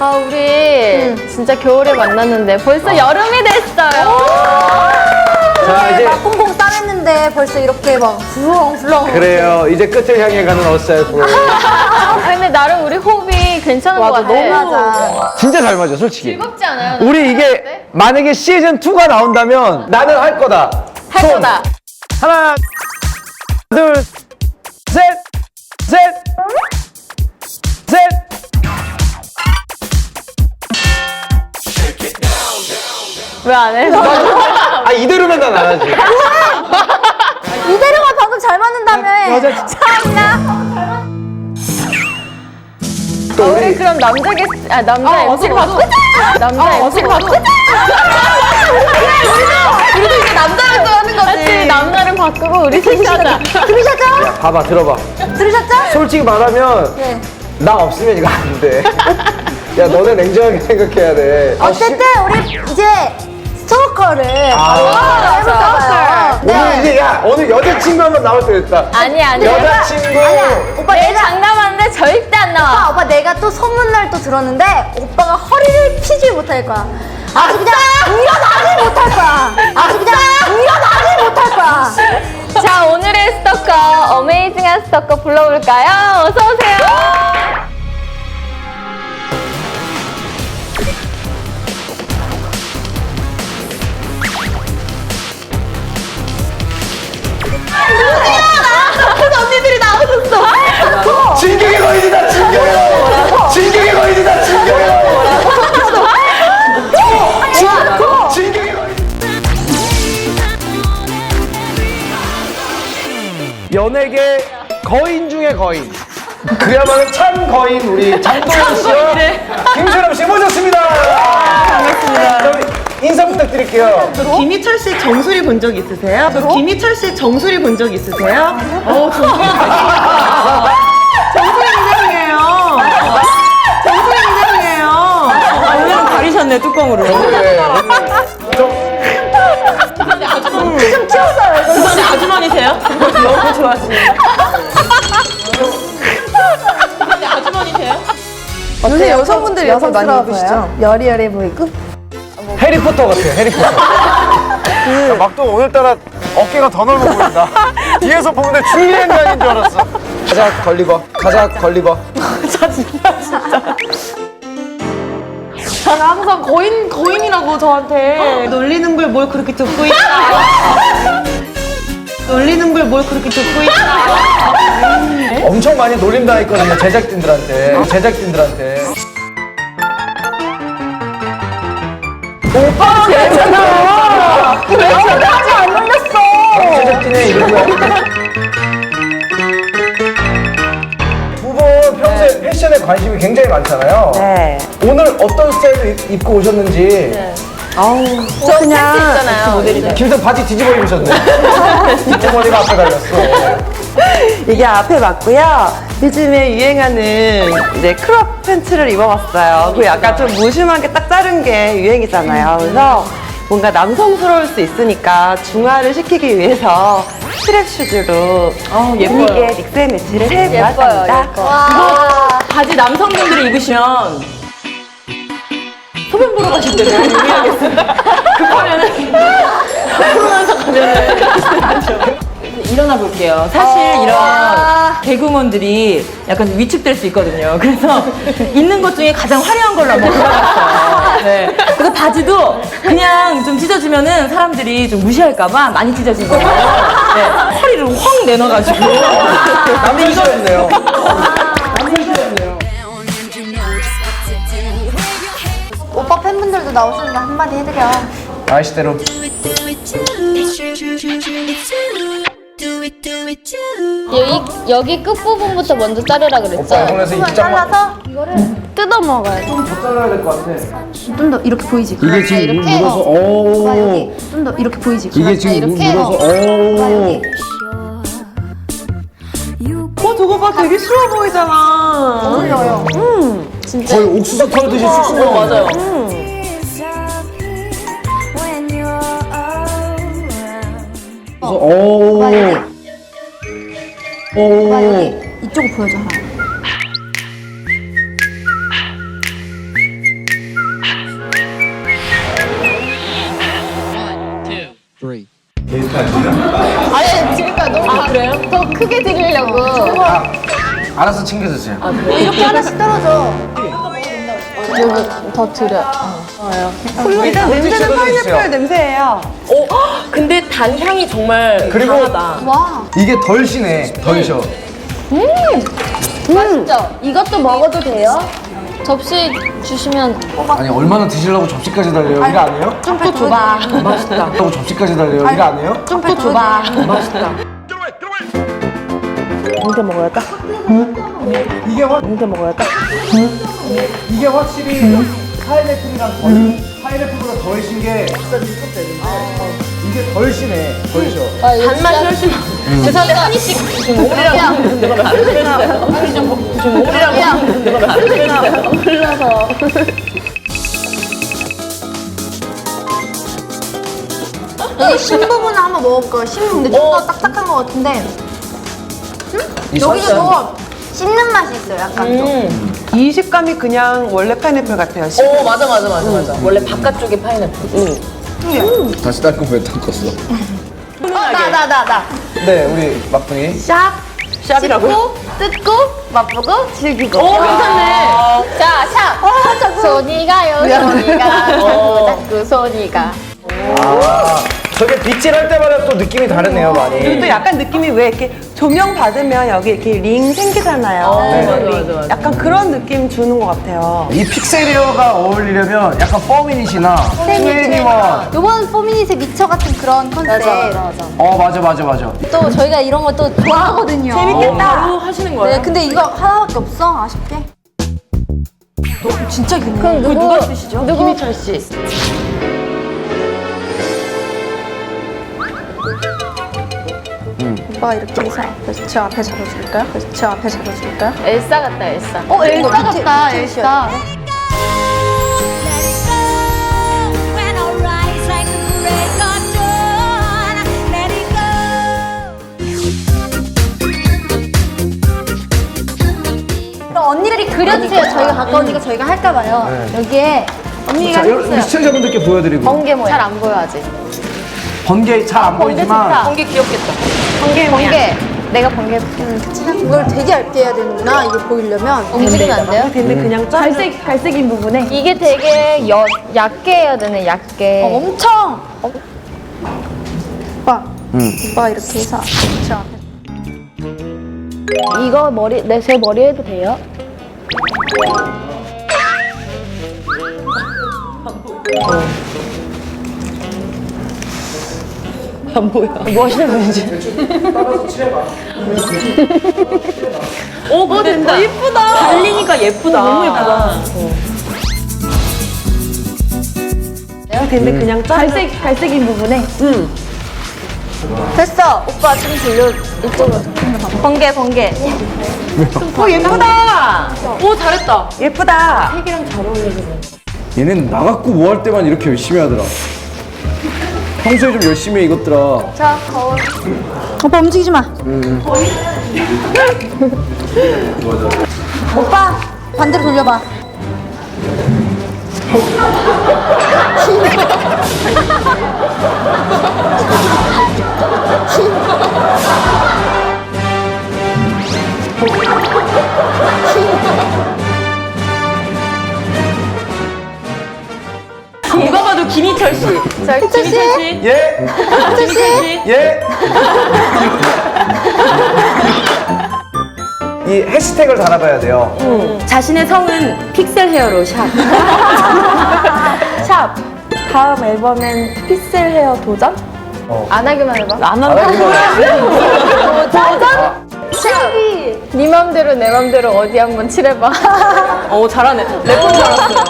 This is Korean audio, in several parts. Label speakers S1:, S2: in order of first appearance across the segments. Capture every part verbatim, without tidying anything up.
S1: 아, 우리
S2: 응.
S1: 진짜 겨울에 만났는데 벌써
S2: 어.
S1: 여름이 됐어요.
S3: 자, 이제
S2: 막 꽁꽁 싸맸는데 벌써 이렇게 막 훌렁훌렁.
S3: 그래요. 이제 끝을 향해 가는 어스타일 프로.
S1: 아, 근데 나름 우리 호흡이 괜찮은 것
S2: 맞아,
S1: 같아.
S2: 너무 맞아.
S3: 진짜 잘 맞아, 솔직히.
S1: 즐겁지 않아요?
S3: 우리 이게 만약에 시즌 투가 나온다면 나는 할 거다.
S1: 할
S3: 손.
S1: 거다.
S3: 하나, 둘, 셋, 셋, 셋.
S1: 왜 안 해?
S3: 아, 이대로면 난 안 하지.
S2: 이대로가 방금 잘 맞는다며.
S3: 여자-
S2: 참나.
S3: 또
S1: 우리
S3: 우리
S1: 그럼 남자 게스트, 아, 남자 엠씨를 바꾸자! 남자 엠씨를 바꾸자!
S2: 우리도 이제 남자를 또 하는 거지.
S1: 그렇지, 남자를 바꾸고 우리 셋이 하자.
S2: 들으셨죠?
S3: 야, 봐봐, 들어봐.
S2: 들으셨죠?
S3: 솔직히 말하면
S2: 네.
S3: 나 없으면 이거 안 돼. 야, 너네 냉정하게 생각해야 돼. 아, 씨.
S2: 어쨌든 우리 이제 스토커를
S3: 아.
S2: 해볼까봐요.
S3: 오늘 이제 야 오늘 여자친구 한번 나올 때 됐다.
S1: 아니, 아니.
S3: 여자친구.
S2: 아니야. 오빠
S1: 내일
S2: 내가
S1: 장담하는데 절대 안
S2: 오빠,
S1: 나와.
S2: 오빠 내가 또 소문날 또 들었는데 오빠가 허리를 피지 못할 거야. 아주 그냥 일어나지 못할 거야. 아주 그냥 일어나지 못할 거야.
S1: 자, 오늘의 스토커, 어메이징한 스토커 불러볼까요? 어서오세요. 언니들이 나오셨어.
S3: 진격의 거인이다. 진격의 거인. 진격의 거인이다. 진격의 거인. 진격의 거인. 연예계 거인 중의 거인. 그야말로 참 거인 우리 장도연 씨와 김철남 씨 모셨습니다. 반갑습니다. 인사 부탁드릴게요.
S4: 김희철 씨 정수리 본 적 있으세요? 김희철 씨 정수리 본 적 있으세요? 어, 정수리 정수리 인정이에요. 정수리 인정이에요. 오늘은 가리셨네 뚜껑으로.
S3: 네, 좀
S2: 좀 키웠어요.
S4: 주방에 아주머니세요? 너무 좋아하시네요. 주방에 아주머니세요?
S2: 요새 여성분들이 여성 많이 입으시죠? 여리여리 보이고.
S3: 해리포터 같아요. 해리포터. 그... 막또 오늘따라 어깨가 더 넓어 보인다. 뒤에서 보는데 줄리엔 장인 줄 알았어. 가자 걸리버. 가자 걸리버.
S4: 항상 거인 거인이라고 저한테 놀리는 걸 뭘 그렇게 듣고 있나? 놀리는 걸 뭘 그렇게 듣고 있나?
S3: 엄청 많이 놀림당 했거든요. 제작진들한테. 제작진들한테.
S2: 오빠 괜찮아. 왜 저까지 안 놀렸어?
S3: 제작진의 이름은 두 분 평소에 패션에 관심이 굉장히 많잖아요.
S4: 네.
S3: 오늘 어떤 스타일로 입- 입고 오셨는지.
S4: 아우
S1: 저 그냥 있잖아요.
S3: 김선 바지 뒤집어 입으셨네. 어머니가 앞에 달렸어.
S5: 이게 앞에 맞고요. 요즘에 유행하는 이제 크롭 팬츠를 입어봤어요. 그 약간 좀 무심하게 딱 자른 게 유행이잖아요. 그래서 뭔가 남성스러울 수 있으니까 중화를 시키기 위해서 스트랩 슈즈로 분위기에 믹스 앤 매치를 해보았습니다.
S4: 이거 바지 남성분들이 입으시면 소변 보러 가실 때 너무 유의하겠습니다. 급하면은 코로나서 가면은 일어나 볼게요. 사실 이런 개그우먼들이 약간 위축될 수 있거든요. 그래서 있는 것 중에 가장 화려한 걸로 한번 골라봤어요. 네. 그래서 바지도 그냥 좀 찢어지면은 사람들이 좀 무시할까봐 많이 찢어진 거예요. 네. 허리를 확 내놔가지고.
S3: 남자시였네요.
S2: 오빠 팬분들도 나오시는데 한마디 해드려.
S3: 아이시대로.
S1: 여기, 여기 끝부분부터 먼저 자르라 그랬죠?
S3: 오빠 이번에서 입장만
S2: 잘라서 이거를
S1: 뜯어 먹어요.
S3: 더 잘라야 될 것 같아.
S2: 좀 더 이렇게 보이지.
S3: 이게 지금
S1: 이렇게?
S3: 눌러서
S2: 오빠
S3: 오.
S2: 여기 좀 더 이렇게 보이지.
S3: 이게 지금
S1: 이렇게?
S3: 눌러서
S2: 오빠
S3: 오.
S2: 여기.
S5: 어, 저거 봐. 되게 쉬워 보이잖아.
S2: 어울려요.
S3: 거의 옥수수 털듯이 쑥쑥
S4: 어, 맞아요.
S3: 오.
S2: 오빠 여기.
S3: 오.
S2: 오빠 여기. 이쪽 보여줘 하나.
S1: 아니 지금까 너무 아, 그래요? 더 크게 드리려고.
S3: 아, 알아서 챙겨주세요.
S2: 이렇게 하나씩 떨어져.
S1: 여기 더 드려.
S5: 일단 냄새는 파인애플 냄새예요.
S4: 오, 근데 단향이 정말
S3: 그리고
S4: 강하다.
S2: 와.
S3: 이게 덜 시네, 덜 셔.
S1: 맛있죠?
S2: 이것도 먹어도 돼요?
S1: 접시 주시면
S3: 아니, 얼마나 드시려고 접시까지 달려요? 이거 안 해요?
S2: 좀 더 줘봐.
S4: 맛있다.
S3: 하고 접시까지 달려요? 이거 안 해요?
S2: 좀 더 줘봐.
S4: 맛있다.
S5: 이렇게 먹어야 딱.
S3: 이게 확,
S5: 이렇게 먹어야 딱.
S3: 이게 확실히 파인애플이랑 덜, 파인애플보다 덜 신 게 식감이 좀 되는데 이게 덜 시네, 덜 셔.
S4: 단맛이 훨씬 많아. 죄송한데 한이씩 지금 오리라고 부르는 거면 안 되겠어요. 한이 좀 먹- 지금 오리라고 부르는 거면 안 되겠어요.
S1: 흘러서.
S2: 여기 신 부분을 한번 먹어볼까요? 신 부분 근데 좀 더 딱딱한 것 같은데
S3: 이
S2: 여기가
S3: 설탕.
S2: 더 씹는 맛이 있어요 약간 좀.
S4: 음.
S5: 이 식감이 그냥 원래 파인애플 같아요.
S4: 오, 맞아, 맞아, 맞아, 맞아. 원래 바깥쪽에 파인애플. 응.
S3: 다시 닦고 왜 닦았어?
S2: 나 나 나 나.
S3: 네, 우리 막둥이.
S2: 샵.
S4: 샵이라고요?
S2: 뜯고 맛보고 즐기고.
S4: 오, 괜찮네.
S1: 자, 샵.
S2: 아 자꾸.
S1: 손이 가요, 손이 가.
S4: 어.
S1: 자꾸 자꾸 손이 가.
S3: 아, 저게 빗질할 때마다 또 느낌이 다르네요, 많이.
S5: 그리고 또 약간 느낌이 왜 이렇게 조명 받으면 여기 이렇게 링 생기잖아요.
S4: 어,
S5: 네.
S4: 맞아, 맞아, 맞아.
S5: 약간 그런 느낌 주는 것 같아요.
S3: 이 픽셀리어가 어울리려면 약간 퍼미닛이나 트웬티원.
S2: 요번 포미닛의 미쳐 같은 그런 컨셉.
S3: 어, 맞아, 맞아, 맞아.
S2: 또 저희가 이런 거 또 좋아하거든요.
S4: 어, 바로 하시는 거예요?
S2: 네, 근데 이거 하나밖에 없어 아쉽게. 너 진짜 기네.
S1: 그럼 누구,
S4: 누가 쓰시죠?
S1: 누구?
S4: 김희철 씨.
S2: 오빠가 이렇게 해서 앞에서 제 앞에 잡아줄까요? 그래서 제 앞에 잡아줄까요?
S1: 엘사 같다, 엘사.
S2: 어, 엘사 같다, 엘사.
S6: When I rise like the break of dawn, let it go.
S2: 그럼 언니들이 그려주세요. 저희가 가까우니까 저희가 할까봐요. 여기에 언니가
S3: 자, 여러분,
S2: 해주세요.
S3: 시청자분들께 보여드리고.
S1: 번개 모양. 잘 안 보여, 아직.
S3: 번개 잘 안 보이지만.
S4: 번개 귀엽겠다.
S1: 번개 모양. 번개. 내가 번개.
S2: 이걸 되게 얇게 해야 되는구나. 이게 보이려면.
S1: 움직이면 안 돼요?
S5: 근데 그냥 짜.
S1: 갈색, 갈색인 부분에. 이게 되게 여, 얕게 해야 되네, 얕게.
S2: 어, 엄청. 오빠.
S3: 응.
S2: 오빠가 이렇게 해서 제 앞에.
S1: 이거 머리, 내 제 머리 해도 돼요?
S4: 안 보여. 뭐 하시는 분인지.
S3: 따라서 칠해봐.
S4: 오, 그거 된다. 예쁘다. 달리니까 예쁘다. 너무 예쁘다.
S5: 근데 그냥 짜.
S1: 갈색, 갈색인 부분에.
S2: 됐어. 오빠 좀 돌려. 이쪽으로. 번개, 번개.
S4: 오, 예쁘다. 오, 잘했다.
S5: 예쁘다.
S3: 얘는 나갖고 뭐 할 때만 이렇게 열심히 하더라. 평소에 좀 열심히 해, 이것들아.
S2: 자, 거울. 오빠 움직이지 마. 오빠 반대로 돌려봐.
S4: 누가 봐도 김희철 씨.
S2: 자, 희철 씨.
S4: 김희철 씨.
S3: 예?
S2: 희철 씨.
S3: 예? 이 해시태그를 달아봐야 돼요.
S4: 자신의 성은 픽셀 헤어로 샵.
S1: 샵. 다음 앨범엔 픽셀 헤어 도전?
S3: 어.
S1: 안 하기만 해봐.
S4: 안
S3: 아,
S4: 한다.
S3: 이거
S1: 도전? 칠기. 네 맘대로 내 맘대로 어디 한번 칠해봐.
S4: 오, 잘하네. 래퍼인 줄 알았어요.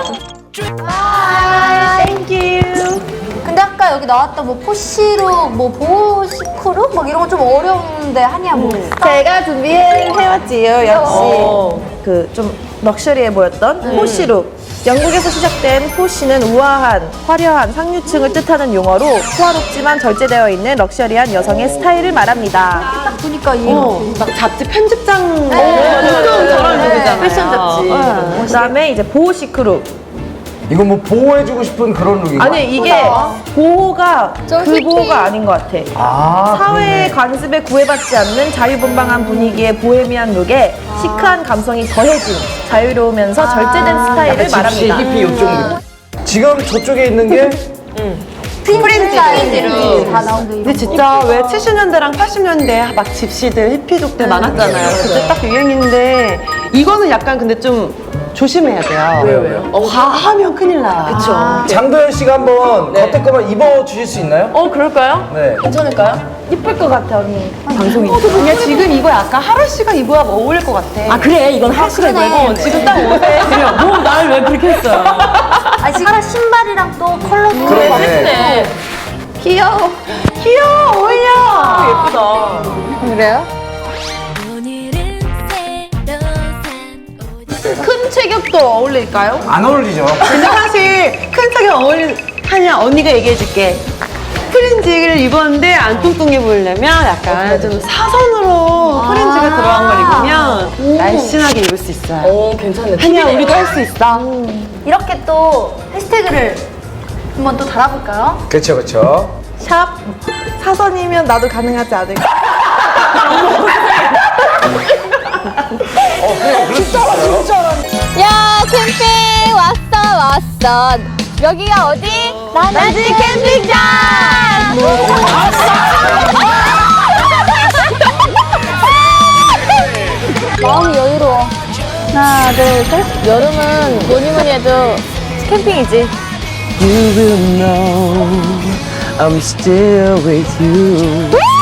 S2: 아, 땡큐. 근데 아까 여기 나왔던 뭐 포시로, 뭐 보시크루? 막 이런 거 좀 어려운데 하냐 뭐.
S1: 제가 준비해왔지요, 역시.
S4: 어.
S7: 그 좀 럭셔리해 보였던 포시룩. 영국에서 시작된 포시는 우아한, 화려한 상류층을 뜻하는 용어로 호화롭지만 절제되어 있는 럭셔리한 여성의 스타일을 말합니다.
S2: 딱 보니까 이
S5: 막 잡지 편집장
S4: 엄청 저런 룩이잖아요.
S5: 패션 잡지.
S7: 그 다음에 이제 보호시크룩.
S3: 이거 뭐 보호해주고 싶은 그런 룩인가?
S7: 아니 이게 보호가
S1: 저
S7: 그
S1: 히피.
S7: 보호가 아닌 것 같아.
S3: 아,
S7: 사회의 관습에 구애받지 않는 자유분방한 분위기의 보헤미안 룩에 시크한 감성이 더해진 자유로우면서 절제된 스타일을
S3: 집시
S7: 말합니다.
S3: 히피 요쪽 느낌. 지금 저쪽에 있는 게
S2: 프린트 스타일들이 다 나오는데
S5: 근데 진짜 왜 칠십 년대랑 팔십 년대 막 집시들 히피족들 많았잖아요. 그때 딱 유행인데 이거는 약간 근데 좀 조심해야 돼요.
S3: 왜요, 왜요?
S5: 어, 과하면 큰일 나요. 그쵸.
S3: 장도연 씨가 한번 겉에 거만 입어 주실 수 있나요?
S5: 어, 그럴까요?
S3: 네.
S7: 이쁠 것 같아 언니.
S5: 방송이. 어, 근데 지금 이거 약간 하루 씨가 입어야 어울릴 것 같아.
S4: 아 그래 이건 하수가
S2: 그러네.
S4: 입어야
S5: 어, 지금 딱 옷에.
S4: 뭐 나를 왜 그렇게 했어요?
S2: 아 지금 신발이랑 또 컬러도
S3: 그러네.
S7: 귀여워.
S5: 귀여워, 어울려. 예쁘다.
S1: 그래요?
S6: 오늘은 새로 산 옷
S7: 큰 체격도 어울릴까요?
S3: 안 어울리죠?
S5: 근데 사실 큰 sak에 어울리냐 언니가 얘기해줄게. 프린지를 입었는데 안 뚱뚱해 보이려면 약간 좀 사선으로 프린지가 들어간 걸 입으면 날씬하게 입을 수 있어요.
S4: 오 괜찮네.
S5: 한이야 우리도 할 수 있어.
S2: 이렇게 또 해시태그를 한번 또 달아볼까요?
S3: 그렇죠, 그렇죠.
S7: 샵 사선이면 나도 가능하지 않을까?
S3: 어, 그래, 그럴 수 있어요.
S1: 야 캠핑 왔어 왔어. 여기가 어디? 나나지 캠핑장. 마음이 여유로워. 하나 둘 셋. 여름은 뭐니 뭐니 해도 캠핑이지.
S5: You will know I'm still with you.